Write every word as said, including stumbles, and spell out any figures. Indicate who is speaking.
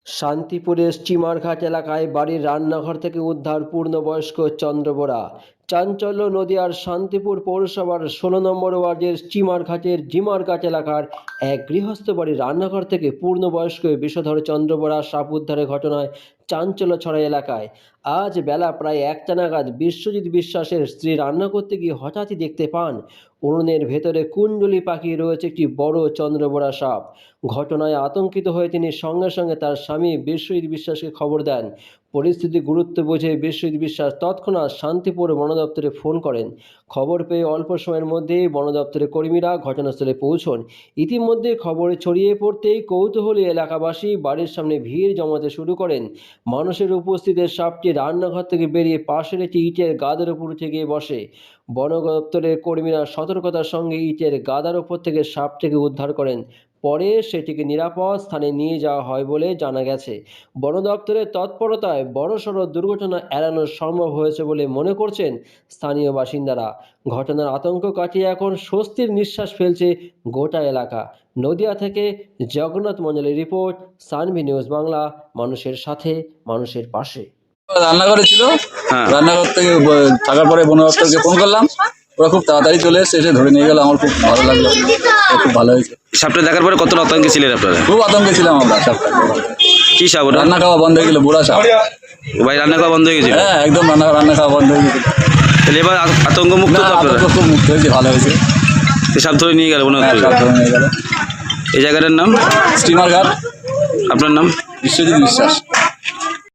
Speaker 1: শান্তিপুরের স্টিমারঘাট এলাকায় বাড়ির রান্নাঘর থেকে উদ্ধার পূর্ণবয়স্ক চন্দ্র বোরা। চাঞ্চল্য নদিয়ার শান্তিপুর পৌরসভার ষোলো নম্বর ওয়ার্ডের স্টিমারঘাটের জিমারঘাট এলাকার এক গৃহস্থ বাড়ির রান্নাঘর থেকে পূর্ণবয়স্ক বিষধর চন্দ্র বোরা সাপ উদ্ধারের ঘটনায় চাঞ্চল্য ছড়ায় এলাকায়। আজ বেলা প্রায় একটা নাগাদ বিশ্বজিৎ বিশ্বাসের স্ত্রী রান্না করতে গিয়ে হঠাৎই দেখতে পান উনুনের ভেতরে কুণ্ডলী পাকিয়ে রয়েছে একটি বড় চন্দ্রবোরা সাপ। ঘটনায় আতঙ্কিত হয়ে তিনি সঙ্গে সঙ্গে তার স্বামী বিশ্বজিৎ বিশ্বাসকে খবর দেন। পরিস্থিতি গুরুত্ব বুঝে বিশ্বজিৎ বিশ্বাস তৎক্ষণাৎ শান্তিপুর বন দপ্তরে ফোন করেন। খবর পেয়ে অল্প সময়ের মধ্যেই বন দপ্তরের কর্মীরা ঘটনাস্থলে পৌঁছন। ইতিমধ্যে খবর ছড়িয়ে পড়তেই কৌতূহলী এলাকাবাসী বাড়ির সামনে ভিড় জমাতে শুরু করেন। মানুষের উপস্থিতিতে সাপটি রান্নাঘর থেকে বেরিয়ে পাশের একটি ইটের গাদার উপর উঠে গিয়ে বসে। বন দপ্তরের কর্মীরা সতর্কতার সঙ্গে ইটের গাদার উপর থেকে সাপটিকে উদ্ধার করেন। পরে সেটিকে নিরাপদ স্থানে নিয়ে যাওয়া হয় বলে জানা গেছে। বন দপ্তরের তৎপরতায় বড়সড় দুর্ঘটনা এড়ানো সম্ভব হয়েছে বলে মনে করছেন স্থানীয় বাসিন্দারা। ঘটনার আতঙ্ক কাটিয়ে এখন স্বস্তির নিঃশ্বাস ফেলছে গোটা এলাকা। নদিয়া থেকে জগন্নাথ মণ্ডলের রিপোর্ট, সানভি নিউজ বাংলা, মানুষের সাথে মানুষের পাশে।
Speaker 2: রান্নাঘরে ছিল,
Speaker 3: হ্যাঁ।
Speaker 2: রান্নাঘর থেকে ব- থাকার পরে বন দপ্তরকে ফোন করলাম, ওরা খুব তাড়াতাড়ি চলে এসে এসে ধরে নিয়ে গেল। আমার খুব ভালো লাগলো, খুব ভালো হয়েছে।
Speaker 3: সাপটা দেখার পরে কতটা আতঙ্কে ছিলেন আপনারা?
Speaker 2: খুব আতঙ্কে ছিলাম আমরা সাপটা।
Speaker 3: কি সাপ ওটা?
Speaker 2: রান্না খাওয়া বন্ধ হয়ে গেল, বুড়া সাপ।
Speaker 3: ভাই রান্না খাওয়া বন্ধ হয়ে গেছিল?
Speaker 2: হ্যাঁ, একদম রান্না রান্না খাওয়া বন্ধ হয়ে গেছে।
Speaker 3: তাহলে এবার আত- আতঙ্ক মুক্ত
Speaker 2: না,
Speaker 3: তো আপনারা?
Speaker 2: আতঙ্ক খুব মুক্ত হয়েছে, ভালো হয়েছে।
Speaker 3: এই সাপ ধরে নিয়ে গেল মনে
Speaker 2: হ্যাঁ,
Speaker 3: হচ্ছে।
Speaker 2: সাপ ধরে নিয়ে গেল।
Speaker 3: এই জায়গাটার নাম?
Speaker 2: স্টিমার ঘাট,
Speaker 3: আপনার নাম?
Speaker 2: বিশ্বজিৎ বিশ্বাস।